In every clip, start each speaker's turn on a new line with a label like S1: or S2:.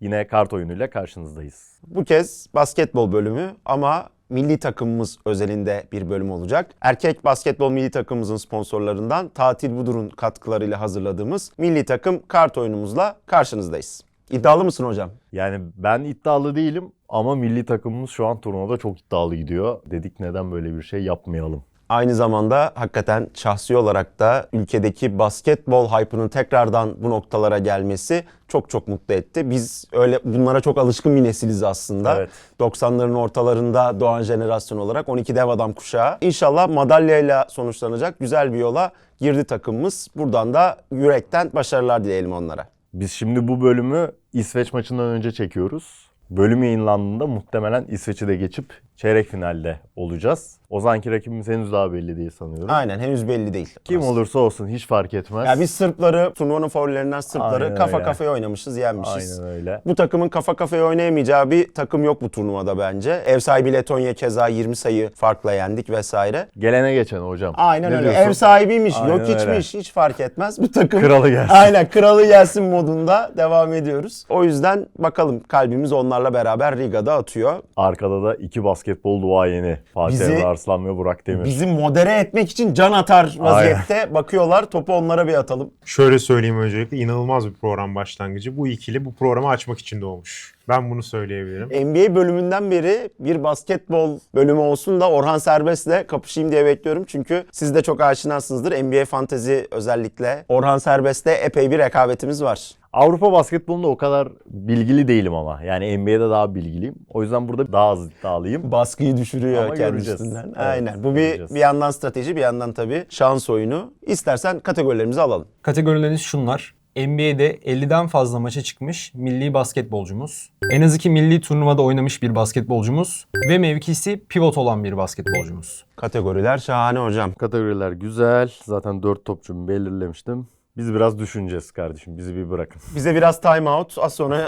S1: yine kart oyunuyla karşınızdayız.
S2: Bu kez basketbol bölümü ama milli takımımız özelinde bir bölüm olacak. Erkek basketbol milli takımımızın sponsorlarından Tatil Budur'un katkılarıyla hazırladığımız milli takım kart oyunumuzla karşınızdayız. İddialı mısın hocam?
S1: Yani ben iddialı değilim ama milli takımımız şu an turnuvada çok iddialı gidiyor. Dedik neden böyle bir şey yapmayalım.
S2: Aynı zamanda hakikaten şahsi olarak da ülkedeki basketbol hype'ının tekrardan bu noktalara gelmesi çok mutlu etti. Biz öyle bunlara çok alışkın bir nesiliz aslında.
S1: Evet.
S2: 90'ların ortalarında doğan jenerasyon olarak 12 dev adam kuşağı. İnşallah madalyayla sonuçlanacak güzel bir yola girdi takımımız. Buradan da yürekten başarılar dileyelim onlara.
S1: Biz şimdi bu bölümü İsveç maçından önce çekiyoruz. Bölüm yayınlandığında muhtemelen İsveç'i de geçip çeyrek finalde olacağız. O zamanki rakibimiz henüz daha belli değil sanıyorum.
S2: Aynen, henüz belli değil.
S1: Kim olursa olsun hiç fark etmez.
S2: Ya biz Sırpları, turnuvanın favorilerinden Sırpları
S1: Aynen
S2: kafa
S1: öyle.
S2: kafaya oynamışız, yenmişiz.
S1: Aynen öyle.
S2: Bu takımın kafa kafaya oynayamayacağı bir takım yok bu turnuvada bence. Ev sahibi Letonya keza 20 sayı farkla yendik vesaire.
S1: Gelene geçen hocam.
S2: Aynen
S1: Ne
S2: öyle.
S1: diyorsun?
S2: Ev sahibiymiş,
S1: Aynen
S2: yok içmiş, hiç fark etmez. Bu takım
S1: Kralı gelsin.
S2: Aynen, kralı gelsin modunda devam ediyoruz. O yüzden bakalım, kalbimiz onlarla beraber Riga'da atıyor.
S1: Arkada da iki basketbol duayeni. Fatih
S2: Bizi-
S1: Emre Arslan ve Burak Demir.
S2: Bizi modere etmek için can atar vaziyette bakıyorlar. Topu onlara bir atalım.
S3: Şöyle söyleyeyim, öncelikle inanılmaz bir program başlangıcı. Bu ikili bu programı açmak için doğmuş. Ben bunu söyleyebilirim.
S2: NBA bölümünden beri bir basketbol bölümü olsun da Orhan Serbest'le kapışayım diye bekliyorum. Çünkü siz de çok aşinasınızdır. NBA fantezi özellikle. Orhan Serbest'le epey bir rekabetimiz var.
S1: Avrupa basketbolunda o kadar bilgili değilim ama. Yani NBA'de daha bilgiliyim. O yüzden burada daha az iddialıyım.
S2: Baskıyı düşürüyor
S1: Ama
S2: kendi
S1: göreceğiz.
S2: üstünden.
S1: Evet,
S2: Aynen. Bu
S1: göreceğiz.
S2: bir yandan strateji, bir yandan tabii şans oyunu. İstersen kategorilerimizi alalım.
S4: Kategorileriniz şunlar. NBA'de 50'den fazla maça çıkmış milli basketbolcumuz. En az 2 milli turnuvada oynamış bir basketbolcumuz. Ve mevkisi pivot olan bir basketbolcumuz.
S2: Kategoriler şahane hocam.
S1: Kategoriler güzel. Zaten 4 topçumu belirlemiştim. Biz biraz düşüneceğiz kardeşim. Bizi bir bırakın.
S2: Bize biraz time out. Az sonra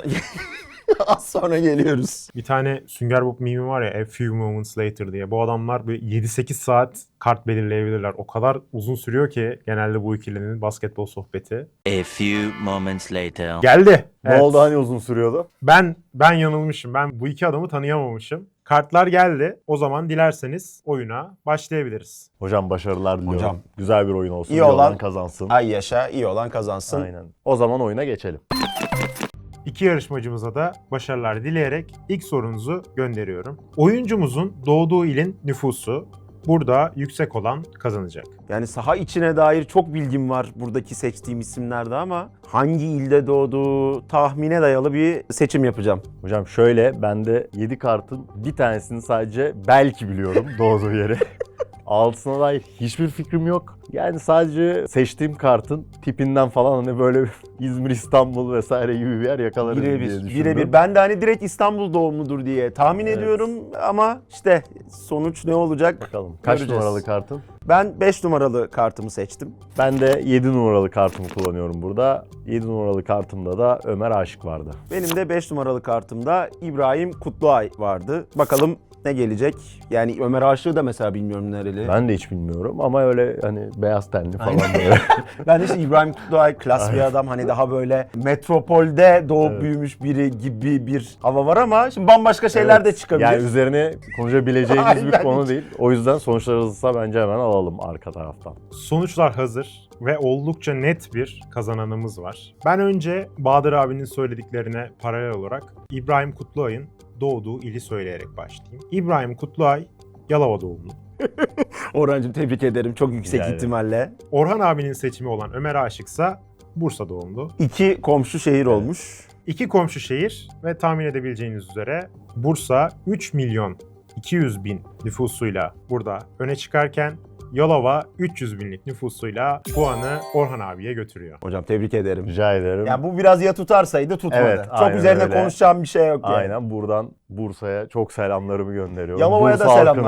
S2: az sonra geliyoruz.
S3: Bir tane Sünger Bob meme var ya, A Few Moments Later diye. Bu adamlar böyle 7-8 saat kart belirleyebilirler. O kadar uzun sürüyor ki genelde bu ikilinin basketbol sohbeti.
S5: A few moments later.
S3: Geldi.
S1: Ne
S3: Evet.
S1: oldu, hani uzun sürüyordu?
S3: Ben yanılmışım. Ben bu iki adamı tanıyamamışım. Kartlar geldi. O zaman dilerseniz oyuna başlayabiliriz.
S1: Hocam başarılar diliyorum.
S2: Hocam.
S1: Güzel bir oyun olsun.
S2: İyi
S1: İyi olan
S2: olan-
S1: kazansın.
S2: Ay yaşa, iyi olan kazansın.
S1: Aynen. O zaman oyuna geçelim.
S3: İki yarışmacımıza da başarılar dileyerek ilk sorunuzu gönderiyorum. Oyuncumuzun doğduğu ilin nüfusu burada yüksek olan kazanacak.
S2: Yani saha içine dair çok bilgim var buradaki seçtiğim isimlerde ama hangi ilde doğduğu tahmine dayalı bir seçim yapacağım.
S1: Hocam şöyle, ben de 7 kartın bir tanesini sadece belki biliyorum doğduğu yeri. Altısına dair hiçbir fikrim yok. Yani sadece seçtiğim kartın tipinden falan hani böyle İzmir, İstanbul vesaire gibi bir yer yakalarım diye düşündüm.
S2: Birebir. Ben de hani direkt İstanbul doğumludur diye tahmin
S1: Evet.
S2: ediyorum ama işte sonuç ne olacak?
S1: Bakalım. Kaç
S2: Göreceğiz.
S1: numaralı kartın?
S2: Ben 5 numaralı kartımı seçtim.
S1: Ben de 7 numaralı kartımı kullanıyorum burada. 7 numaralı kartımda da Ömer Aşık vardı.
S2: Benim de 5 numaralı kartımda İbrahim Kutluay vardı. Bakalım ne gelecek? Yani Ömer Aşık'ı da mesela bilmiyorum nereli.
S1: Ben de hiç bilmiyorum ama öyle hani beyaz tenli falan
S2: Aynen.
S1: böyle.
S2: Ben de işte İbrahim Kutluay klas bir adam, hani daha böyle metropolde doğup
S1: Evet.
S2: büyümüş biri gibi bir hava var ama şimdi bambaşka şeyler de çıkabilir.
S1: Yani üzerine konuşabileceğimiz bir
S2: Aynen.
S1: konu değil. O yüzden sonuçlar hızlısa bence hemen alalım arka taraftan.
S3: Sonuçlar hazır ve oldukça net bir kazananımız var. Ben önce Bahadır abinin söylediklerine paralel olarak İbrahim Kutluay'ın doğduğu ili söyleyerek başlayayım. İbrahim Kutluay Yalova doğumlu.
S2: Orhancığım tebrik ederim, çok yüksek
S1: Rica ederim.
S2: ihtimalle.
S3: Orhan abinin seçimi olan Ömer Aşıksa Bursa doğumlu.
S2: 2 komşu şehir olmuş.
S3: İki komşu şehir ve tahmin edebileceğiniz üzere Bursa 3 milyon 200 bin nüfusuyla burada öne çıkarken Yalova 300 binlik nüfusuyla puanı Orhan abiye götürüyor.
S2: Hocam tebrik ederim.
S1: Rica ederim.
S2: Ya bu biraz ya tutarsaydı tutmadı.
S1: Evet,
S2: Çok
S1: aynen
S2: üzerine
S1: öyle.
S2: konuşacağım bir şey yok yani.
S1: Aynen, buradan Bursa'ya çok selamlarımı gönderiyorum.
S2: Yalova'ya
S1: Bursa
S2: da selamlar.
S1: halkına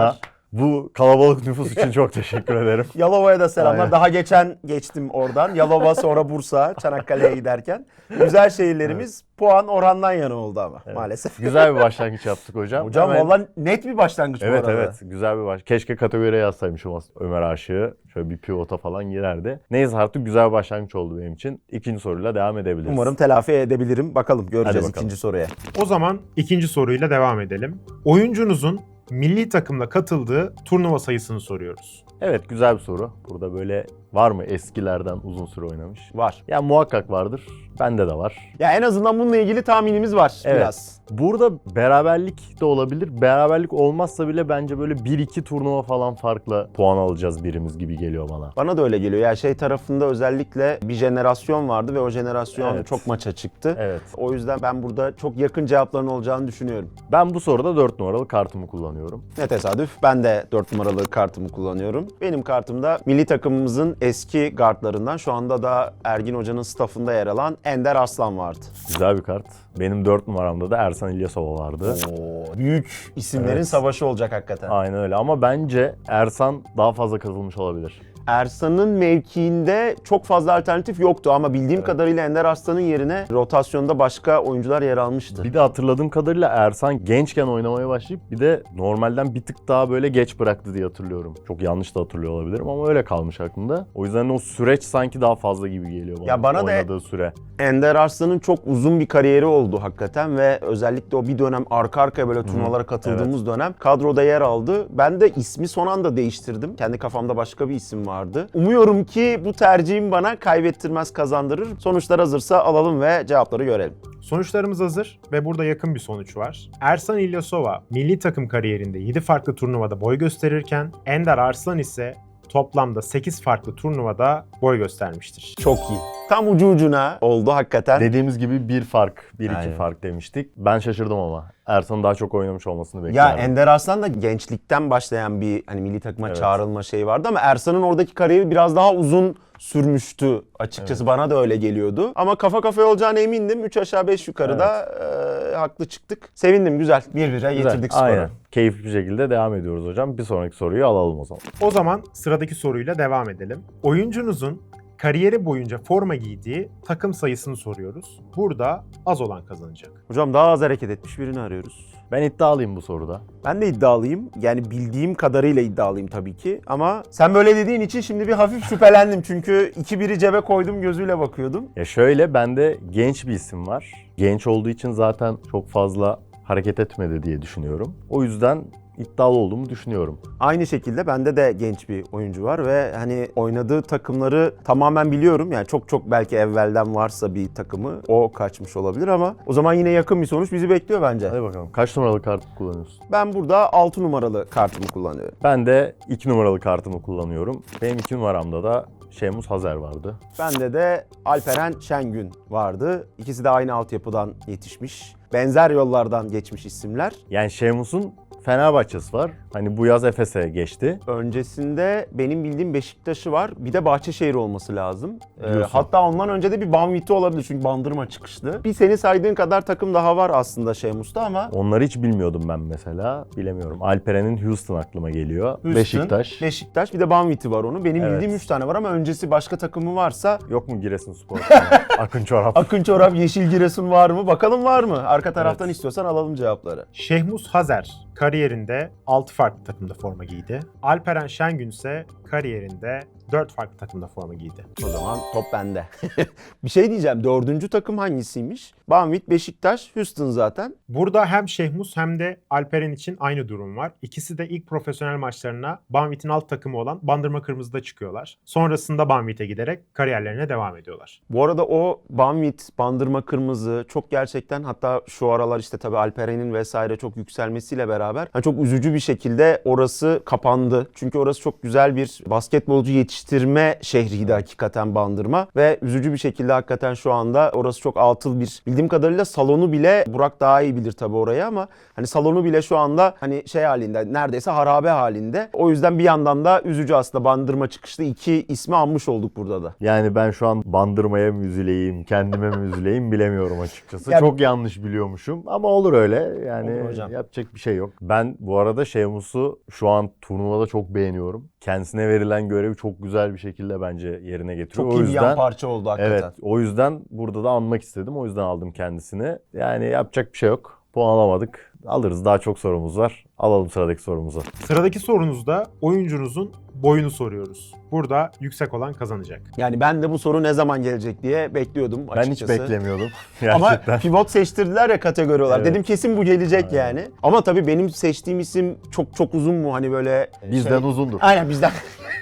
S1: Bu kalabalık nüfus için çok teşekkür ederim.
S2: Yalova'ya da selamlar.
S1: Aynen.
S2: Daha geçen geçtim oradan. Yalova sonra Bursa, Çanakkale'ye giderken. Güzel şehirlerimiz puan Orhan'dan yana oldu ama maalesef.
S1: Güzel bir başlangıç yaptık hocam.
S2: Hocam
S1: Hemen-
S2: valla net bir başlangıç bu
S1: Evet
S2: arada.
S1: evet güzel bir baş. Keşke kategoriye yazsaymışım Ömer Aşık'ı. Şöyle bir pivota falan girerdi. Neyse artık güzel bir başlangıç oldu benim için. İkinci soruyla devam edebiliriz.
S2: Umarım telafi edebilirim. Bakalım göreceğiz
S1: Hadi bakalım.
S2: ikinci soruya.
S3: O zaman ikinci soruyla devam edelim. Oyuncunuzun milli takımla katıldığı turnuva sayısını soruyoruz.
S1: Evet güzel bir soru. Burada böyle var mı eskilerden uzun süre oynamış?
S2: Var.
S1: Ya muhakkak vardır. Bende de var.
S2: Ya en azından bununla ilgili tahminimiz var
S1: Evet.
S2: biraz.
S1: Burada beraberlik de olabilir. Beraberlik olmazsa bile bence böyle 1-2 turnuva falan farkla puan alacağız birimiz gibi geliyor bana.
S2: Bana da öyle geliyor. Ya şey tarafında özellikle bir jenerasyon vardı ve o jenerasyon
S1: Evet.
S2: çok maça çıktı.
S1: Evet.
S2: O yüzden ben burada çok yakın cevapların olacağını düşünüyorum.
S1: Ben bu soruda 4 numaralı kartımı kullanıyorum.
S2: Ne tesadüf. Ben de 4 numaralı kartımı kullanıyorum. Benim kartımda milli takımımızın eski guardlarından şu anda da Ergin Hoca'nın staffında yer alan Ender Arslan vardı.
S1: Güzel bir kart. Benim 4 numaramda da Ersan İlyasova vardı.
S2: Oo, büyük isimlerin
S1: Evet.
S2: savaşı olacak hakikaten.
S1: Aynen öyle ama bence Ersan daha fazla katılmış olabilir.
S2: Ersan'ın mevkiinde çok fazla alternatif yoktu ama bildiğim kadarıyla Ender Arslan'ın yerine rotasyonda başka oyuncular yer almıştı.
S1: Bir de hatırladığım kadarıyla Ersan gençken oynamaya başlayıp bir de normalden bir tık daha böyle geç bıraktı diye hatırlıyorum. Çok yanlış da hatırlıyor olabilirim ama öyle kalmış aklımda. O yüzden o süreç sanki daha fazla gibi geliyor bana.
S2: Ya bana da-
S1: oynadığı süre.
S2: Ender Arslan'ın çok uzun bir kariyeri oldu hakikaten ve özellikle o bir dönem arka arkaya böyle turnuvalara katıldığımız dönem kadroda yer aldı. Ben de ismi son anda değiştirdim. Kendi kafamda başka bir isim vardı. Umuyorum ki bu tercihim bana kaybettirmez, kazandırır. Sonuçlar hazırsa alalım ve cevapları görelim.
S3: Sonuçlarımız hazır ve burada yakın bir sonuç var. Ersan İlyasova milli takım kariyerinde 7 farklı turnuvada boy gösterirken Ender Arslan ise toplamda 8 farklı turnuvada boy göstermiştir.
S2: Çok iyi. Tam ucu ucuna oldu hakikaten.
S1: Dediğimiz gibi bir fark, 1-2
S2: Aynen.
S1: fark demiştik. Ben şaşırdım ama. Ersan'ın daha çok oynamış olmasını
S2: Ya
S1: beklerdim.
S2: Ender Arslan da gençlikten başlayan bir hani milli takıma
S1: Evet.
S2: çağrılma şeyi vardı ama Ersan'ın oradaki kariyeri biraz daha uzun sürmüştü. Açıkçası bana da öyle geliyordu. Ama kafa kafaya olacağına emindim. 3 aşağı 5 yukarı da haklı çıktık. Sevindim güzel. 1-1'e
S1: Güzel,
S2: getirdik skoru.
S1: aynen. Keyifli bir şekilde devam ediyoruz hocam. Bir sonraki soruyu alalım o zaman.
S3: O zaman sıradaki soruyla devam edelim. Oyuncunuzun kariyeri boyunca forma giydiği takım sayısını soruyoruz. Burada az olan kazanacak.
S2: Hocam daha az hareket etmiş birini arıyoruz.
S1: Ben iddialıyım bu soruda.
S2: Ben de iddialıyım. Yani bildiğim kadarıyla iddialıyım tabii ki. Ama sen böyle dediğin için şimdi bir hafif şüphelendim. Çünkü 2-1'i cebe koydum gözüyle bakıyordum.
S1: Ya şöyle bende genç bir isim var. Genç olduğu için zaten çok fazla hareket etmedi diye düşünüyorum. O yüzden iddialı olduğumu düşünüyorum.
S2: Aynı şekilde bende de genç bir oyuncu var ve hani oynadığı takımları tamamen biliyorum. Yani çok belki evvelden varsa bir takımı o kaçmış olabilir ama o zaman yine yakın bir sonuç bizi bekliyor bence.
S1: Hadi bakalım. Kaç numaralı kartı kullanıyorsun?
S2: Ben burada 6 numaralı kartımı kullanıyorum.
S1: Ben de 2 numaralı kartımı kullanıyorum. Benim 2 numaramda da Şemus Hazer vardı.
S2: Bende de Alperen Şengün vardı. İkisi de aynı altyapıdan yetişmiş. Benzer yollardan geçmiş isimler.
S1: Yani Şemus'un Fenerbahçe'si var. Hani bu yaz Efes'e geçti.
S2: Öncesinde benim bildiğim Beşiktaş'ı var. Bir de Bahçeşehir olması lazım.
S1: Diyorsun.
S2: Hatta ondan önce de bir Banvit'i olabilir çünkü Bandırma çıkışlı. Bir seni saydığın kadar takım daha var aslında Şemus'ta ama
S1: Onları hiç bilmiyordum ben mesela. Bilemiyorum. Alperen'in Houston aklıma geliyor.
S2: Houston,
S1: Beşiktaş.
S2: bir de Banvit'i var onun. Benim
S1: Evet.
S2: bildiğim 3 tane var ama öncesi başka takımı varsa
S1: Yok mu Giresunspor? Akın Çorap.
S2: Akın Çorap, Yeşil Giresun var mı? Bakalım var mı? Arka taraftan istiyorsan alalım cevapları.
S3: Şehmus Hazer kariyerinde 6 farklı takımda forma giydi. Alperen Şengün ise kariyerinde 4 farklı takımda forma giydi.
S2: O zaman top bende. Bir şey diyeceğim. 4. takım hangisiymiş? Banvit, Beşiktaş, Houston zaten.
S3: Burada hem Şehmus hem de Alperen için aynı durum var. İkisi de ilk profesyonel maçlarına Banvit'in alt takımı olan Bandırma Kırmızı'da çıkıyorlar. Sonrasında Banvit'e giderek kariyerlerine devam ediyorlar.
S2: Bu arada o Banvit, Bandırma Kırmızı çok gerçekten hatta şu aralar işte tabii Alperen'in vesaire çok yükselmesiyle beraber çok üzücü bir şekilde orası kapandı. Çünkü orası çok güzel bir basketbolcu yetiştirme yetiştirme şehriydi hakikaten Bandırma ve üzücü bir şekilde hakikaten şu anda orası çok atıl bir, bildiğim kadarıyla salonu bile, Burak daha iyi bilir tabii orayı ama hani salonu bile şu anda hani şey halinde, neredeyse harabe halinde. O yüzden bir yandan da üzücü aslında Bandırma çıkışlı iki ismi anmış olduk burada da.
S1: Yani ben şu an Bandırma'ya mı üzüleyim, kendime mi üzüleyim bilemiyorum açıkçası.
S2: Yani-
S1: Çok yanlış biliyormuşum ama olur öyle. Yani
S2: Olur hocam.
S1: yapacak bir şey yok. Ben bu arada Sheamus'u şu an turnuvada çok beğeniyorum. Kendisine verilen görevi çok güzel bir şekilde bence yerine getiriyor.
S2: Çok
S1: O
S2: iyi bir yan
S1: yüzden
S2: parça oldu hakikaten.
S1: evet, o yüzden burada da anmak istedim. O yüzden aldım kendisini. Yani yapacak bir şey yok. Puan alamadık. Alırız. Daha çok sorumuz var. Alalım sıradaki sorumuzu.
S3: Sıradaki sorunuzda oyuncunuzun boyunu soruyoruz. Burada yüksek olan kazanacak.
S2: Yani ben de bu soru ne zaman gelecek diye bekliyordum
S1: Ben
S2: açıkçası.
S1: hiç beklemiyordum.
S2: Ama
S1: Gerçekten.
S2: pivot seçtirdiler ya kategori olarak.
S1: Evet.
S2: Dedim kesin bu gelecek yani. Ama tabii benim seçtiğim isim çok çok uzun mu hani böyle...
S1: Bizden uzundur.
S2: Aynen bizden.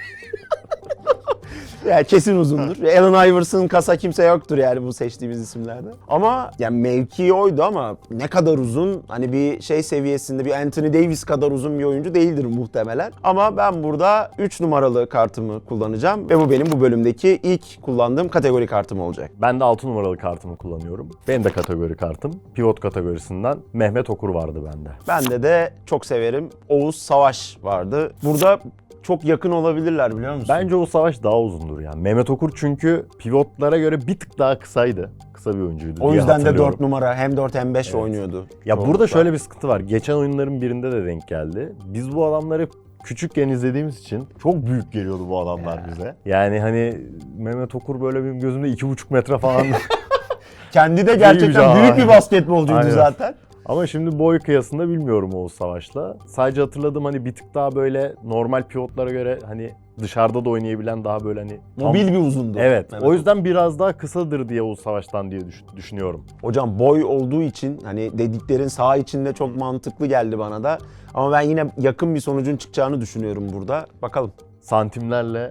S2: Yani kesin uzundur. Allen Iverson kasa kimse yoktur yani bu seçtiğimiz isimlerde. Ama yani mevki oydu ama ne kadar uzun, hani bir şey seviyesinde bir Anthony Davis kadar uzun bir oyuncu değildir muhtemelen. Ama ben burada 3 numaralı kartımı kullanacağım ve bu benim bu bölümdeki ilk kullandığım kategori kartım olacak.
S1: Ben de 6 numaralı kartımı kullanıyorum. Benim de kategori kartım. Pivot kategorisinden Mehmet Okur vardı bende.
S2: Bende de çok severim Oğuz Savaş vardı. Burada çok yakın olabilirler biliyor musun?
S1: Bence o savaş daha uzundur yani. Mehmet Okur çünkü pivotlara göre bir tık daha kısaydı. Kısa bir oyuncuydu
S2: o
S1: diye
S2: yüzden de
S1: hatırlıyorum.
S2: 4 numara hem 4 hem 5 oynuyordu.
S1: Ya
S2: Çoğunlukla.
S1: burada şöyle bir sıkıntı var. Geçen oyunların birinde de denk geldi. Biz bu adamları küçükken izlediğimiz için çok büyük geliyordu bu adamlar bize. Yani hani Mehmet Okur böyle benim gözümde 2,5 metre falan.
S2: Kendi de gerçekten
S1: Büyük
S2: büyük bir
S1: bir-
S2: basketbolcuydu
S1: Aynen.
S2: zaten.
S1: Ama şimdi boy kıyasında bilmiyorum Oğuz Savaş'la. Sadece hatırladım hani bir tık daha böyle normal pivotlara göre hani dışarıda da oynayabilen daha böyle hani...
S2: Mobil bir uzundu.
S1: Evet.
S2: Mehmet
S1: O yüzden biraz daha kısadır diye Oğuz Savaş'tan diye düşünüyorum.
S2: Hocam boy olduğu için hani dediklerin saha içinde çok mantıklı geldi bana da. Ama ben yine yakın bir sonucun çıkacağını düşünüyorum burada. Bakalım.
S1: Santimlerle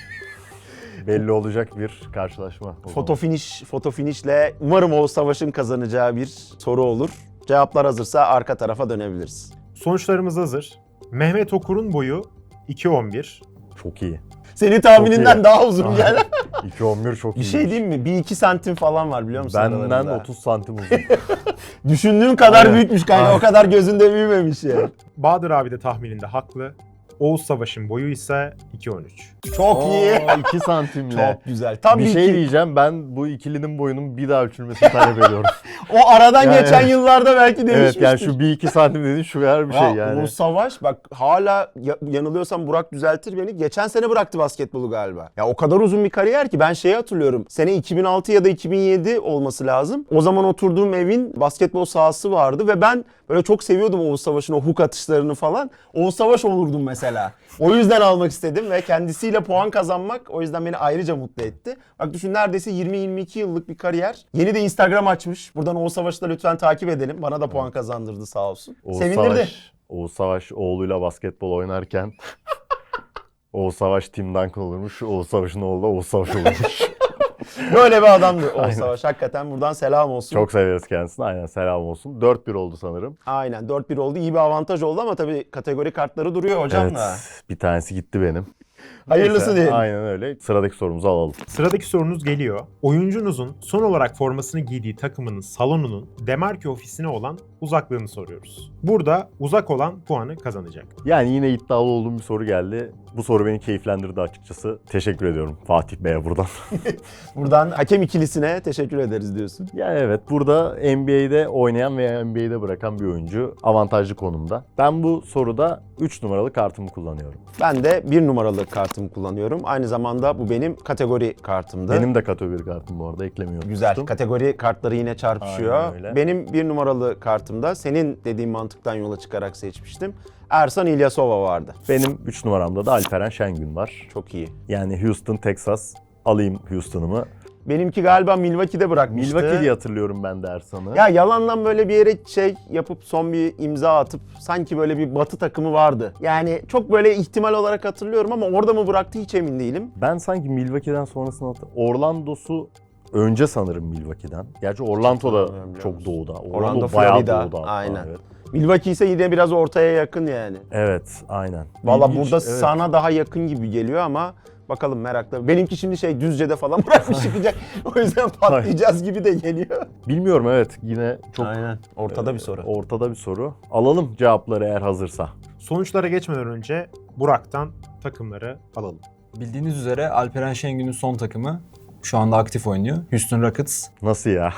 S1: belli olacak bir karşılaşma. o zaman.
S2: Foto finişle umarım Oğuz Savaş'ın kazanacağı bir soru olur. Cevaplar hazırsa arka tarafa dönebiliriz.
S3: Sonuçlarımız hazır. Mehmet Okur'un boyu 2.11.
S1: Çok iyi.
S2: Senin tahmininden
S1: iyi.
S2: daha uzun yani.
S1: 2.11 çok iyi.
S2: Bir şey diyeyim mi? 1-2 santim falan var biliyor musun?
S1: Benden
S2: aralarında?
S1: 30 santim uzun.
S2: Düşündüğüm kadar
S1: Aynen.
S2: büyükmüş kanka.
S1: Aynen.
S2: O kadar gözünde büyümemiş yani.
S3: Bahadır abi de tahmininde haklı. Oğuz Savaş'ın boyu ise 2.13.
S2: Çok iyi.
S1: 2 santimle.
S2: Çok güzel. Tam
S1: Bir
S2: bir
S1: şey
S2: iki.
S1: diyeceğim, ben bu ikilinin boyunun bir daha ölçülmesini talep ediyorum.
S2: O aradan
S1: Yani-
S2: geçen yıllarda belki değişmiştir.
S1: Evet yani şu 1-2 santim dediğin şu kadar bir şey yani.
S2: O savaş bak hala yanılıyorsam Burak düzeltir beni. Geçen sene bıraktı basketbolu galiba. Ya o kadar uzun bir kariyer ki ben şeyi hatırlıyorum. Sene 2006 ya da 2007 olması lazım. O zaman oturduğum evin basketbol sahası vardı ve ben böyle çok seviyordum Oğuz Savaş'ın o hook atışlarını falan. Oğuz Savaş olurdum mesela. O yüzden almak istedim ve kendisiyle puan kazanmak o yüzden beni ayrıca mutlu etti. Bak düşün neredeyse 20-22 yıllık bir kariyer. Yeni de Instagram açmış. Buradan Oğuz Savaş'ı da lütfen takip edelim. Bana da puan kazandırdı sağ olsun. Sevindirdi.
S1: Oğuz Savaş oğluyla basketbol oynarken Oğuz Savaş Tim Duncan olurmuş. Oğuz Savaş'ın oğlu da Oğuz Savaş olurmuş.
S2: Böyle bir adamdı Oğuz
S1: Aynen.
S2: Savaş. Hakikaten buradan selam olsun.
S1: Çok severiz kendisini. Aynen selam olsun. 4-1 oldu sanırım.
S2: Aynen 4-1 oldu. İyi bir avantaj oldu ama tabii kategori kartları duruyor hocam
S1: Evet.
S2: da.
S1: Bir tanesi gitti benim.
S2: Hayırlısı
S1: Neyse,
S2: diyelim.
S1: Aynen öyle. Sıradaki sorumuzu alalım.
S3: Sıradaki sorunuz geliyor. Oyuncunuzun son olarak formasını giydiği takımının salonunun demarke ofisine olan uzaklığını soruyoruz. Burada uzak olan puanı kazanacak.
S1: Yani yine iddialı olduğum bir soru geldi. Bu soru beni keyiflendirdi açıkçası. Teşekkür ediyorum Fatih Bey'e buradan.
S2: Buradan hakem ikilisine teşekkür ederiz diyorsun.
S1: Yani evet, burada NBA'de oynayan veya NBA'de bırakan bir oyuncu avantajlı konumda. Ben bu soruda 3 numaralı kartımı kullanıyorum.
S2: Ben de 1 numaralı kartımı kullanıyorum. Aynı zamanda bu benim kategori kartımdı.
S1: Benim de kategori kartım bu arada, eklemeyi
S2: Güzel.
S1: unutmuştum.
S2: Kategori kartları yine çarpışıyor.
S1: Aynen öyle.
S2: Benim 1 numaralı kartımda senin dediğin mantıktan yola çıkarak seçmiştim. Ersan İlyasova vardı.
S1: Benim 3 numaramda da Alperen Şengün var.
S2: Çok iyi.
S1: Yani Houston, Texas. Alayım Houston'ımı.
S2: Benimki galiba Milwaukee'de bırakmıştı.
S1: Milwaukee diye hatırlıyorum ben de Ersan'ı.
S2: Ya yalandan böyle bir yere şey yapıp son bir imza atıp sanki böyle bir batı takımı vardı. Yani çok böyle ihtimal olarak hatırlıyorum ama orada mı bıraktı hiç emin değilim.
S1: Ben sanki Milwaukee'den sonrasını Orlando'su önce sanırım Milwaukee'den. Gerçi Orlando da
S2: Hatırlamıyorum,
S1: çok
S2: biliyor
S1: doğuda.
S2: Orlando,
S1: bayağı
S2: Florida.
S1: doğuda hatta,
S2: Aynen.
S1: Evet.
S2: Milwaukee ise yine biraz ortaya yakın yani.
S1: Evet, aynen.
S2: Valla
S1: İlginç,
S2: burada
S1: evet.
S2: sana daha yakın gibi geliyor ama Bakalım merakla. Benimki şimdi Düzce'de falan bırakmış çıkacak. O yüzden patlayacağız gibi de geliyor.
S1: Bilmiyorum, evet, yine çok
S2: Aynen. Ortada bir soru.
S1: ortada bir soru. Alalım cevapları eğer hazırsa.
S3: Sonuçlara geçmeden önce Burak'tan takımları alalım.
S4: Bildiğiniz üzere Alperen Şengün'ün son takımı şu anda aktif oynuyor. Houston Rockets.
S1: Nasıl ya?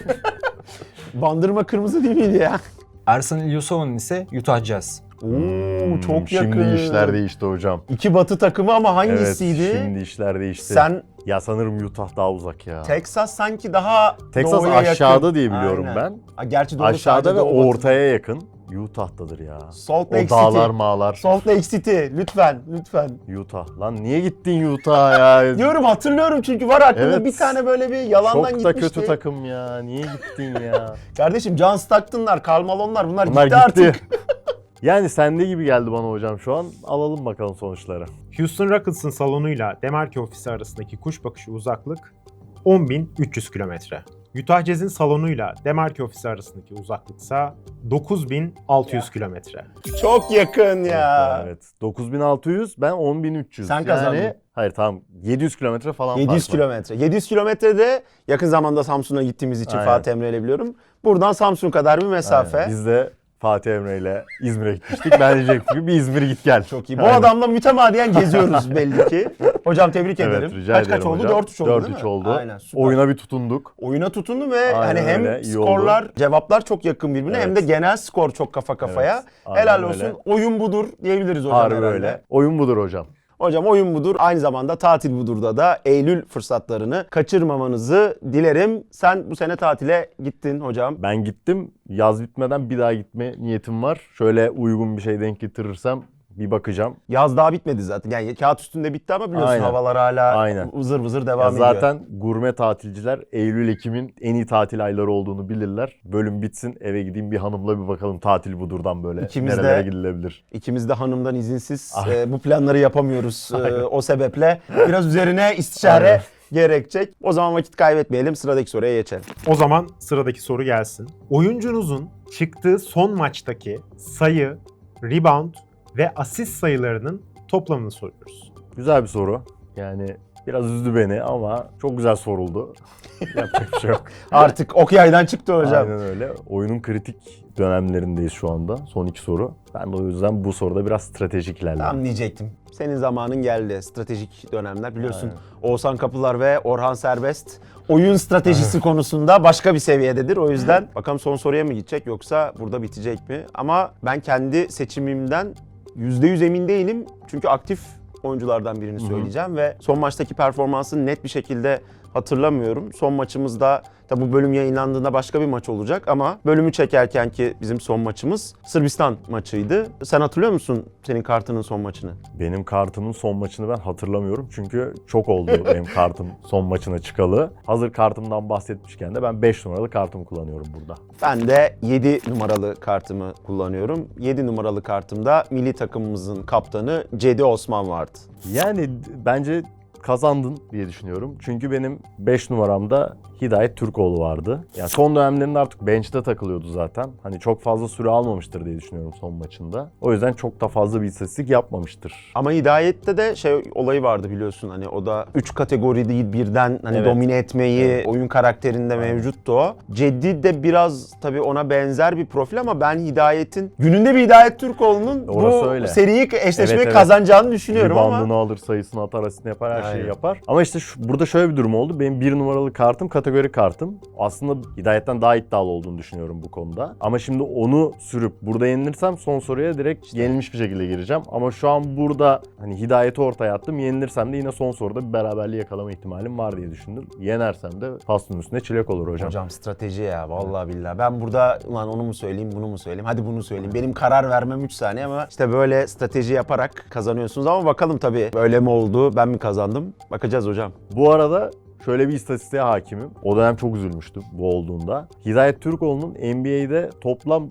S2: Bandırma kırmızı değil miydi ya?
S4: Ersan İlyasova'nın ise Utah Jazz.
S2: Oo, çok yakın.
S1: Şimdi işler değişti hocam.
S2: İki batı takımı ama hangisiydi?
S1: Evet, şimdi işler değişti.
S2: Sen
S1: Ya sanırım Utah daha uzak ya.
S2: Texas sanki daha
S1: Texas
S2: doğuya
S1: aşağıda
S2: yakın.
S1: diye biliyorum
S2: Aynen.
S1: ben.
S2: Ha, gerçi doğru,
S1: Aşağıda
S2: sadece
S1: ve
S2: doğu batı.
S1: ortaya yakın. Utah'tadır ya.
S2: Salt
S1: O
S2: Lake
S1: dağlar
S2: City.
S1: mağlar.
S2: Salt Lake City. Lütfen.
S1: Utah. Lan niye gittin Utah'a ya?
S2: Diyorum, hatırlıyorum çünkü var aklımda
S1: Evet.
S2: bir tane böyle bir yalandan
S1: Çok da
S2: gitmişti.
S1: kötü takım ya. Niye gittin ya?
S2: Kardeşim John Stockton'lar, Karl Malone'lar bunlar
S1: Bunlar
S2: gitti artık.
S1: Yani sende gibi geldi bana hocam şu an. Alalım bakalım sonuçları.
S3: Houston Rockets'ın salonuyla Demarki ofisi arasındaki kuş bakışı uzaklık 10.300 kilometre. Utah Jazz'in salonuyla Demarki ofisi arasındaki uzaklıksa 9.600 kilometre.
S2: Çok yakın ya.
S1: Evet. 9600, ben 10300.
S2: Sen kazandın.
S1: Hayır, tamam. 700 kilometre falan
S2: 700
S1: fark var.
S2: kilometre. 700 kilometrede yakın zamanda Samsun'a gittiğimiz için
S1: Aynen.
S2: Fatih Emre ile biliyorum. Buradan Samsun kadar bir mesafe.
S1: Aynen. Biz de Fatih Emre ile İzmir'e gitmiştik. Ben diyecektim ki bir İzmir git gel.
S2: Çok iyi. Bu
S1: Aynen.
S2: adamla mütemadiyen geziyoruz belli ki. Hocam tebrik ederim.
S1: Evet, rica
S2: Kaç
S1: ederim
S2: oldu?
S1: hocam.
S2: 4-3 oldu değil mi?
S1: 4-3 oldu.
S2: Aynen, süper.
S1: Oyuna bir tutunduk.
S2: Oyuna tutundu ve
S1: Aynen
S2: hani hem
S1: öyle, iyi
S2: skorlar,
S1: oldu.
S2: cevaplar çok yakın birbirine hem de
S1: Evet.
S2: genel skor çok kafa kafaya.
S1: Evet, aynen
S2: Helal
S1: öyle.
S2: olsun. Oyun budur diyebiliriz hocam
S1: Harbi
S2: herhalde.
S1: öyle. Oyun budur hocam.
S2: Hocam oyun budur. Aynı zamanda tatil budurda da Eylül fırsatlarını kaçırmamanızı dilerim. Sen bu sene tatile gittin hocam.
S1: Ben gittim. Yaz bitmeden bir daha gitme niyetim var. Şöyle uygun bir şey denk getirirsem bir bakacağım.
S2: Yaz daha bitmedi zaten. Yani kağıt üstünde bitti ama biliyorsun
S1: Aynen.
S2: havalar hala
S1: Aynen.
S2: vızır vızır
S1: Ya
S2: devam ediyor.
S1: zaten gurme tatilciler Eylül-Ekim'in en iyi tatil ayları olduğunu bilirler. Bölüm bitsin, eve gideyim bir hanımla bir bakalım tatil budurdan böyle
S2: İkimiz de-
S1: nerelere gidilebilir.
S2: İkimiz de hanımdan izinsiz
S1: Aynen.
S2: bu planları yapamıyoruz. O sebeple biraz üzerine istişare
S1: Aynen.
S2: gerekecek. O zaman vakit kaybetmeyelim. Sıradaki soruya geçelim.
S3: O zaman sıradaki soru gelsin. Oyuncunuzun çıktığı son maçtaki sayı, rebound ve asist sayılarının toplamını soruyoruz.
S1: Güzel bir soru. Yani biraz üzdü beni ama çok güzel soruldu. Yapacak bir şey yok.
S2: Artık ok yaydan çıktı hocam.
S1: Aynen öyle. Oyunun kritik dönemlerindeyiz şu anda. Son iki soru. Ben de o yüzden bu soruda biraz stratejik ilerledim.
S2: Tam diyecektim. Senin zamanın geldi. Stratejik dönemler biliyorsun. Oğuzhan Kapılar ve Orhan Serbest oyun stratejisi konusunda başka bir seviyededir. O yüzden bakalım son soruya mı gidecek yoksa burada bitecek mi? Ama ben kendi seçimimden %100 emin değilim. Çünkü aktif oyunculardan birini söyleyeceğim ve son maçtaki performansını net bir şekilde hatırlamıyorum. Son maçımızda tabi bu bölüm yayınlandığında başka bir maç olacak ama bölümü çekerken ki bizim son maçımız Sırbistan maçıydı. Sen hatırlıyor musun senin kartının son maçını?
S1: Benim kartımın son maçını ben hatırlamıyorum. Çünkü çok oldu benim kartım son maçına çıkalı. Hazır kartımdan bahsetmişken de ben 5 numaralı kartımı kullanıyorum burada.
S2: Ben de 7 numaralı kartımı kullanıyorum. 7 numaralı kartımda milli takımımızın kaptanı Cedi Osman vardı.
S1: Yani bence kazandın diye düşünüyorum. Çünkü benim 5 numaramda Hidayet Türkoğlu vardı. Yani son dönemlerinde artık bench'te takılıyordu zaten. Hani çok fazla süre almamıştır diye düşünüyorum son maçında. O yüzden çok da fazla bir istatistik yapmamıştır.
S2: Ama Hidayet'te de olayı vardı biliyorsun, hani o da 3 kategori değil birden hani
S1: Evet.
S2: domine etmeyi oyun karakterinde mevcuttu o. Cedi de biraz tabii ona benzer bir profil ama ben Hidayet'in gününde bir Hidayet Türkoğlu'nun
S1: Orası
S2: bu
S1: öyle.
S2: seriyi eşleşmeyi
S1: Evet.
S2: kazanacağını düşünüyorum ama
S1: Reboundunu alır, sayısını atar, asistini yapar, her şeyi
S2: Aynen.
S1: yapar. Ama işte burada şöyle bir durum oldu. Benim 1 numaralı kartım kategori kartım. Aslında Hidayet'ten daha iddialı olduğunu düşünüyorum bu konuda. Ama şimdi onu sürüp burada yenilirsem son soruya direkt yenilmiş bir şekilde gireceğim. Ama şu an burada hani Hidayet'i ortaya attım. Yenilirsem de yine son soruda bir beraberliği yakalama ihtimalim var diye düşündüm. Yenersem de pastanın üstüne çilek olur hocam.
S2: Hocam strateji ya vallahi billahi. Ben burada ulan onu mu söyleyeyim, bunu mu söyleyeyim, hadi bunu söyleyeyim. Benim karar vermem 3 saniye ama işte böyle strateji yaparak kazanıyorsunuz ama bakalım tabii böyle mi oldu, ben mi kazandım? Bakacağız hocam.
S1: Bu arada şöyle bir istatistiğe hakimim. O dönem çok üzülmüştüm bu olduğunda. Hidayet Türkoğlu'nun NBA'de toplam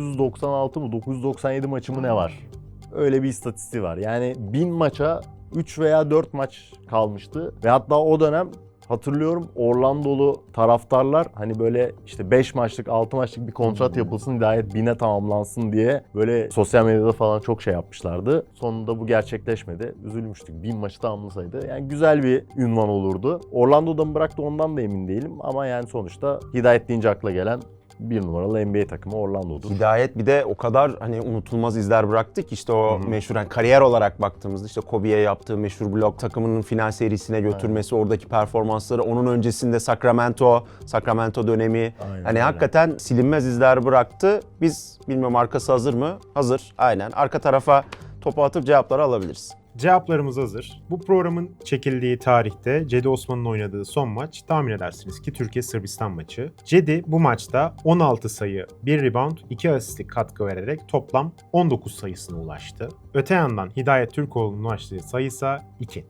S1: 996 mı 997 maçı mı ne var? Öyle bir istatistiği var. Yani 1000 maça 3 veya 4 maç kalmıştı. Ve hatta o dönem hatırlıyorum Orlandolu taraftarlar hani böyle işte 5 maçlık 6 maçlık bir kontrat yapılsın Hidayet 1000'e tamamlansın diye böyle sosyal medyada falan çok şey yapmışlardı. Sonunda bu gerçekleşmedi. Üzülmüştük. 1000 maçı tamamlasaydı. Yani güzel bir ünvan olurdu. Orlando'da mı bıraktı ondan da emin değilim ama yani sonuçta Hidayet deyince akla gelen bir numaralı NBA takımı Orlando'dur.
S2: Hidayet bir de o kadar hani unutulmaz izler bıraktı ki işte o meşhur hani kariyer olarak baktığımızda işte Kobe'ye yaptığı meşhur blok, takımının final serisine götürmesi, oradaki performansları, onun öncesinde Sacramento dönemi
S1: Aynen
S2: hani
S1: öyle.
S2: hakikaten silinmez izler bıraktı. Biz bilmiyorum arkası hazır mı? Hazır. Aynen. Arka tarafa topu atıp cevapları alabiliriz.
S3: Cevaplarımız hazır. Bu programın çekildiği tarihte Cedi Osman'ın oynadığı son maç tahmin edersiniz ki Türkiye-Sırbistan maçı. Cedi bu maçta 16 sayı, 1 rebound, 2 asistlik katkı vererek toplam 19 sayısına ulaştı. Öte yandan Hidayet Türkoğlu'nun ulaştığı sayı ise 2.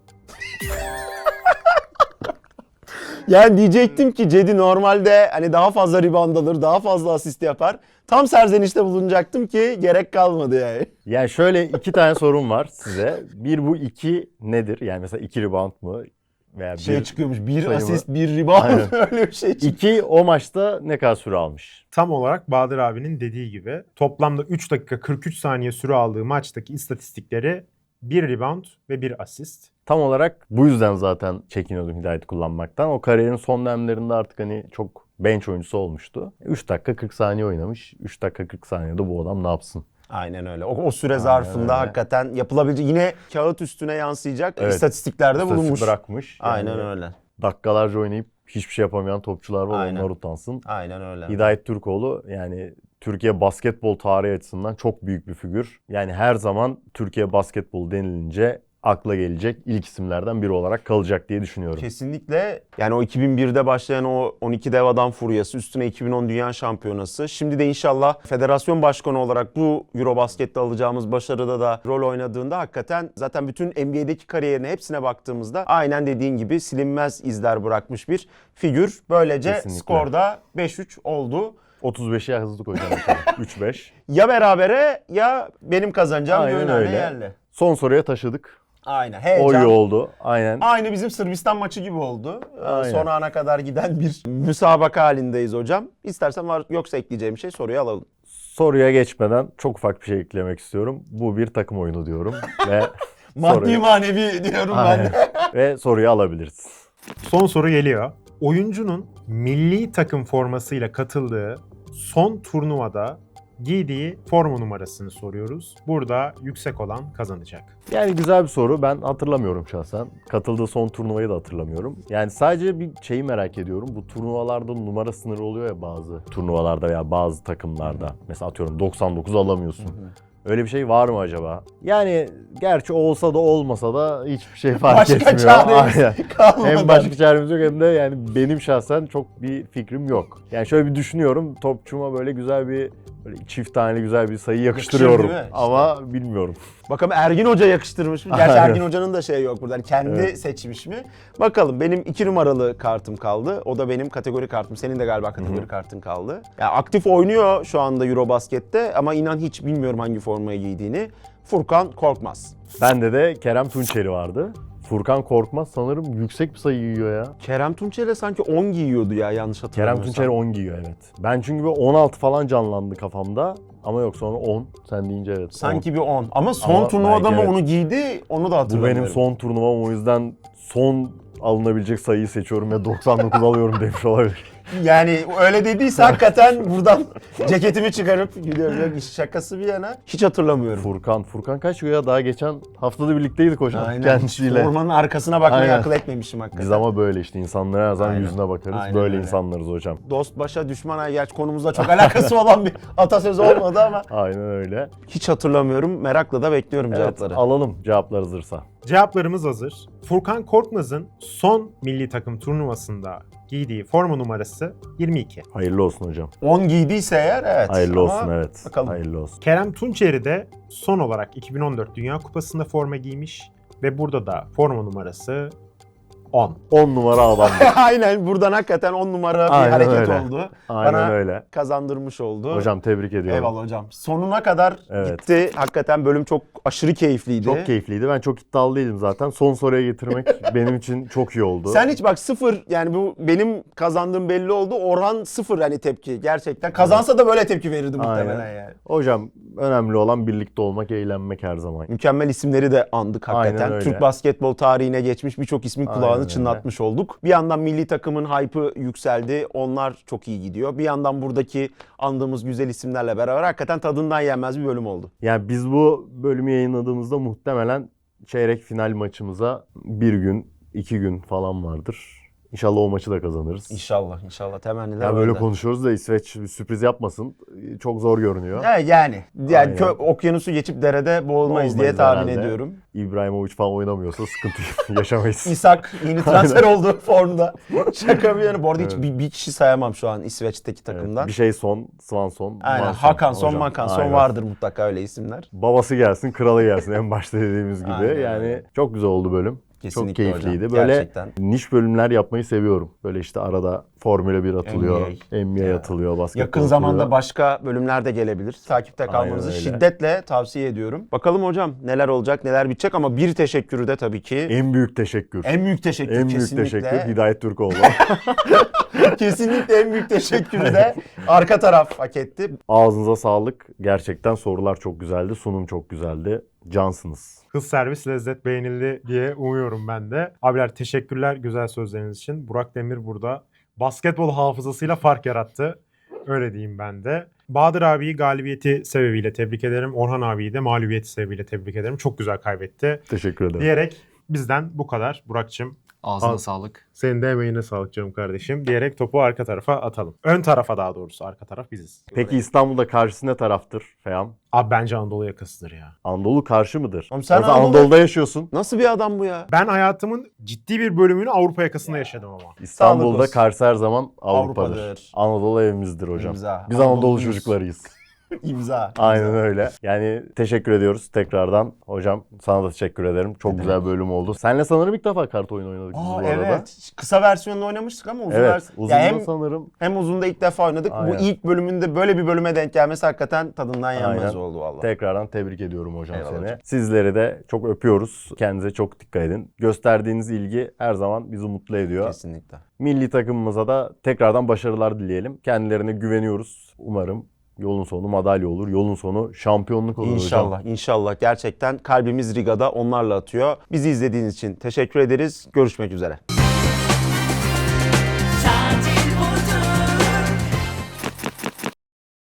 S2: Yani diyecektim ki Cedi normalde hani daha fazla rebound alır, daha fazla asist yapar. Tam serzenişte bulunacaktım ki gerek kalmadı yani.
S1: Yani şöyle 2 tane sorum var size. Bir bu 2 nedir? Yani mesela 2 rebound mı? Veya bir
S2: Çıkıyormuş, bir
S1: sayı mı?
S2: asist, bir rebound
S1: Aynen.
S2: öyle bir şey çıkıyor.
S1: 2 o maçta ne kadar süre almış?
S3: Tam olarak Bahadır abinin dediği gibi toplamda 3 dakika 43 saniye süre aldığı maçtaki istatistikleri 1 rebound ve 1 asist.
S1: Tam olarak bu yüzden zaten çekiniyordum Hidayet'i kullanmaktan. O kariyerin son dönemlerinde artık hani çok bench oyuncusu olmuştu. 3 dakika 40 saniye oynamış. 3 dakika 40 saniyede bu adam ne yapsın?
S2: Aynen öyle. O süre zarfında
S1: öyle.
S2: hakikaten yapılabilecek yine kağıt üstüne yansıyacak
S1: Evet.
S2: istatistiklerde
S1: İstatistik
S2: bulunmuş.
S1: bırakmış. Yani
S2: Aynen öyle.
S1: dakikalarca oynayıp hiçbir şey yapamayan topçular var.
S2: Aynen.
S1: Onlar utansın.
S2: Aynen öyle.
S1: Hidayet Türkoğlu yani Türkiye basketbol tarihi açısından çok büyük bir figür. Yani her zaman Türkiye basketbol denilince akla gelecek ilk isimlerden biri olarak kalacak diye düşünüyorum.
S2: Kesinlikle yani o 2001'de başlayan o 12 dev adam furyası, üstüne 2010 Dünya Şampiyonası. Şimdi de inşallah federasyon başkanı olarak bu Eurobasket'te alacağımız başarıda da rol oynadığında hakikaten zaten bütün NBA'deki kariyerine hepsine baktığımızda aynen dediğin gibi silinmez izler bırakmış bir figür. Böylece
S1: Kesinlikle.
S2: skorda 5-3 oldu.
S1: 35'e hızlı koyacağım inşallah. 3-5.
S2: Ya berabere ya benim kazanacağım
S1: Aynen
S2: öyle.
S1: öyle.
S2: Yerli.
S1: Son soruya taşıdık.
S2: Aynen.
S1: O
S2: Heyecan.
S1: iyi oldu. Aynen.
S2: Aynı bizim Sırbistan maçı gibi oldu.
S1: Aynen.
S2: Son ana kadar giden bir müsabaka halindeyiz hocam. İstersen var yoksa ekleyeceğim bir şey soruyu alalım.
S1: Soruya geçmeden çok ufak bir şey eklemek istiyorum. Bu bir takım oyunu diyorum ve
S2: Maddi manevi diyorum ben
S1: Aynen.
S2: de.
S1: ve soruyu alabiliriz.
S3: Son soru geliyor. Oyuncunun milli takım formasıyla katıldığı son turnuvada giydiği forma numarasını soruyoruz. Burada yüksek olan kazanacak.
S1: Yani güzel bir soru. Ben hatırlamıyorum şahsen. Katıldığı son turnuvayı da hatırlamıyorum. Yani sadece bir şeyi merak ediyorum. Bu turnuvalarda numara sınırı oluyor ya bazı turnuvalarda veya bazı takımlarda. Mesela atıyorum 99 alamıyorsun. Öyle bir şey var mı acaba? Yani gerçi olsa da olmasa da hiçbir şey fark
S2: Başka
S1: etmiyor.
S2: çaremiz
S1: Aynen.
S2: kalmadı.
S1: Hem başka çaremiz yok hem de yani benim şahsen çok bir fikrim yok. Yani şöyle bir düşünüyorum. Topçuma böyle güzel bir böyle çift tane güzel bir sayı yakıştırıyorum.
S2: değil mi? İşte.
S1: Ama bilmiyorum.
S2: Bakalım Ergin Hoca yakıştırmış mı? Gerçi
S1: Aynen.
S2: Ergin Hoca'nın da şeyi yok burada. Yani kendi
S1: Evet.
S2: seçmiş mi? Bakalım benim 2 numaralı kartım kaldı. O da benim kategori kartım. Senin de galiba kategori kartın kaldı. Yani aktif oynuyor şu anda Eurobasket'te ama inan hiç bilmiyorum hangi formayı giydiğini. Furkan Korkmaz.
S1: Bende de Kerem Tunçeri vardı. Furkan Korkmaz sanırım yüksek bir sayı giyiyor ya.
S2: Kerem Tunçer'e sanki 10 giyiyordu ya yanlış
S1: Kerem
S2: hatırlamıyorsam.
S1: Tunçeri 10 giyiyor evet. Ben çünkü bir 16 falan canlandı kafamda. Ama yok sonra 10. Sen deyince evet. 10.
S2: Sanki bir 10. Ama son
S1: Ama
S2: turnuvada
S1: belki
S2: mı
S1: evet.
S2: onu giydi onu da
S1: Bu
S2: hatırlamıyorum.
S1: benim son turnuvam o yüzden son alınabilecek sayıyı seçiyorum ve 99 alıyorum demiş olabilir.
S2: Yani öyle dediyse hakikaten buradan ceketimi çıkarıp gidiyorum. Yok iş şakası bir yana. Hiç hatırlamıyorum.
S1: Furkan kaç ya? Daha geçen haftada birlikteydik hocam
S2: Aynen.
S1: kendisiyle.
S2: Formanın arkasına bakmayı
S1: Aynen.
S2: akıl etmemişim hakikaten.
S1: Biz ama böyle işte insanlara her zaman
S2: Aynen.
S1: yüzüne bakarız.
S2: Aynen
S1: böyle
S2: öyle.
S1: insanlarız hocam.
S2: Dost başa düşman ay gerçi konumuzla çok alakası olan bir atasözü olmadı ama
S1: Aynen öyle.
S2: hiç hatırlamıyorum. Merakla da bekliyorum
S1: Evet,
S2: cevapları.
S1: alalım cevaplar hazırsa.
S3: Cevaplarımız hazır. Furkan Korkmaz'ın son milli takım turnuvasında giydiği forma numarası 22.
S1: Hayırlı olsun hocam.
S2: 10 giydiyse eğer evet.
S1: Hayırlı
S2: Ama
S1: olsun evet.
S2: bakalım.
S1: Hayırlı olsun.
S3: Kerem Tunçeri de son olarak 2014 Dünya Kupası'nda forma giymiş ve burada da forma numarası 10.
S1: 10 numara adam.
S2: Aynen, buradan hakikaten 10 numara bir
S1: Aynen
S2: hareket
S1: öyle.
S2: oldu.
S1: Aynen
S2: Bana
S1: öyle.
S2: kazandırmış oldu.
S1: Hocam tebrik ediyorum.
S2: Eyvallah hocam. Sonuna kadar
S1: Evet.
S2: gitti. Hakikaten bölüm çok aşırı keyifliydi.
S1: Çok keyifliydi. Ben çok iddialı değilim zaten. Son soruya getirmek benim için çok iyi oldu.
S2: Sen hiç bak, sıfır, yani bu benim kazandığım belli oldu. Orhan sıfır hani tepki gerçekten. Kazansa da böyle tepki verirdi muhtemelen
S1: Aynen.
S2: yani.
S1: Hocam önemli olan birlikte olmak, eğlenmek her zaman.
S2: Mükemmel isimleri de andık hakikaten.
S1: Aynen öyle.
S2: Türk basketbol tarihine geçmiş birçok ismin
S1: Aynen
S2: kulağını
S1: öyle.
S2: çınlatmış olduk. Bir yandan milli takımın hype'ı yükseldi. Onlar çok iyi gidiyor. Bir yandan buradaki andığımız güzel isimlerle beraber hakikaten tadından yenmez bir bölüm oldu.
S1: Yani biz bu bölümü yayınladığımızda muhtemelen çeyrek final maçımıza 1 gün, 2 gün falan vardır. İnşallah o maçı da kazanırız.
S2: İnşallah, inşallah. Temenniler
S1: Ya böyle
S2: öyle.
S1: konuşuyoruz da İsveç bir sürpriz yapmasın. Çok zor görünüyor.
S2: Yani
S1: Aynen.
S2: okyanusu geçip derede boğulmayız diye
S1: Olmayız
S2: tahmin
S1: herhalde.
S2: ediyorum.
S1: İbrahimovic falan oynamıyorsa sıkıntı yaşamayız.
S2: İshak yeni transfer oldu formda. Şaka bir yana. Bu arada hiç
S1: Evet.
S2: bir kişi sayamam şu an İsveç'teki
S1: Evet,
S2: takımdan.
S1: bir şey Swanson,
S2: Aynen.
S1: Manson
S2: Hakanson,
S1: hocam.
S2: Makanson
S1: Aynen.
S2: vardır mutlaka öyle isimler.
S1: Babası gelsin, kralı gelsin en başta dediğimiz gibi.
S2: Aynen
S1: Yani
S2: öyle.
S1: çok güzel oldu bölüm.
S2: Kesinlikle
S1: çok keyifliydi.
S2: hocam,
S1: Böyle
S2: gerçekten.
S1: niş bölümler yapmayı seviyorum. Böyle işte arada Formula 1 atılıyor,
S2: NBA.
S1: NBA atılıyor, basketbol
S2: Yakın zamanda
S1: atılıyor.
S2: başka bölümler de gelebilir. Takipte kalmanızı
S1: öyle.
S2: şiddetle tavsiye ediyorum. Bakalım hocam neler olacak, neler bitecek, ama bir teşekkürü de tabii ki.
S1: En büyük teşekkür.
S2: En büyük teşekkür
S1: En büyük
S2: kesinlikle.
S1: teşekkür Hidayet Türkoğlu.
S2: Kesinlikle en büyük teşekkürü de arka taraf hak etti.
S1: Ağzınıza sağlık. Gerçekten sorular çok güzeldi, sunum çok güzeldi. Cansınız.
S3: Hız servis lezzet beğenildi diye umuyorum ben de. Abiler teşekkürler güzel sözleriniz için. Burak Demir burada basketbol hafızasıyla fark yarattı. Öyle diyeyim ben de. Bahadır abiyi galibiyeti sebebiyle tebrik ederim. Orhan abiyi de mağlubiyeti sebebiyle tebrik ederim. Çok güzel kaybetti.
S1: Teşekkür ederim.
S3: Diyerek bizden bu kadar. Burak'cığım
S4: Ağzına
S3: Al.
S4: sağlık.
S3: senin de emeğine sağlık canım kardeşim. Diyerek topu arka tarafa atalım. Ön tarafa daha doğrusu, arka taraf biziz.
S1: Peki İstanbul'da karşısı ne taraftır Feyam?
S3: Abi bence Anadolu yakasıdır ya.
S1: Anadolu karşı mıdır?
S2: Oğlum sen
S1: Yoksa
S2: Anadolu-
S1: Anadolu'da yaşıyorsun.
S2: Nasıl bir adam bu ya?
S3: Ben hayatımın ciddi bir bölümünü Avrupa yakasında yaşadım ama.
S1: İstanbul'da
S2: olsun.
S1: karşı her zaman Avrupa'dır.
S2: Avrupa'dır.
S1: Anadolu evimizdir hocam.
S2: İmza.
S1: Biz Anadolu
S2: Anadolu'yuz.
S1: çocuklarıyız.
S2: İmza.
S1: Aynen öyle. Yani teşekkür ediyoruz tekrardan. Hocam sana da teşekkür ederim. Çok
S2: Ne
S1: güzel bölüm oldu. Seninle sanırım ilk defa kart oyunu oynadık biz bu arada.
S2: Evet. Kısa versiyonunu oynamıştık ama uzun
S1: Evet.
S2: versiyon.
S1: Uzun
S2: Ya hem,
S1: sanırım.
S2: hem uzun da ilk defa oynadık.
S1: Aynen.
S2: Bu ilk bölümünde böyle bir bölüme denk gelmesi hakikaten tadından yenmez
S1: Aynen.
S2: oldu valla.
S1: Tekrardan tebrik ediyorum hocam
S2: Eyvallah
S1: seni.
S2: hocam.
S1: Sizleri de çok öpüyoruz. Kendinize çok dikkat edin. Gösterdiğiniz ilgi her zaman bizi mutlu ediyor.
S2: Kesinlikle.
S1: Milli takımımıza da tekrardan başarılar dileyelim. Kendilerine güveniyoruz. Umarım yolun sonu madalya olur. Yolun sonu şampiyonluk olur hocam.
S2: İnşallah, inşallah. Gerçekten kalbimiz Riga'da onlarla atıyor. Bizi izlediğiniz için teşekkür ederiz. Görüşmek üzere.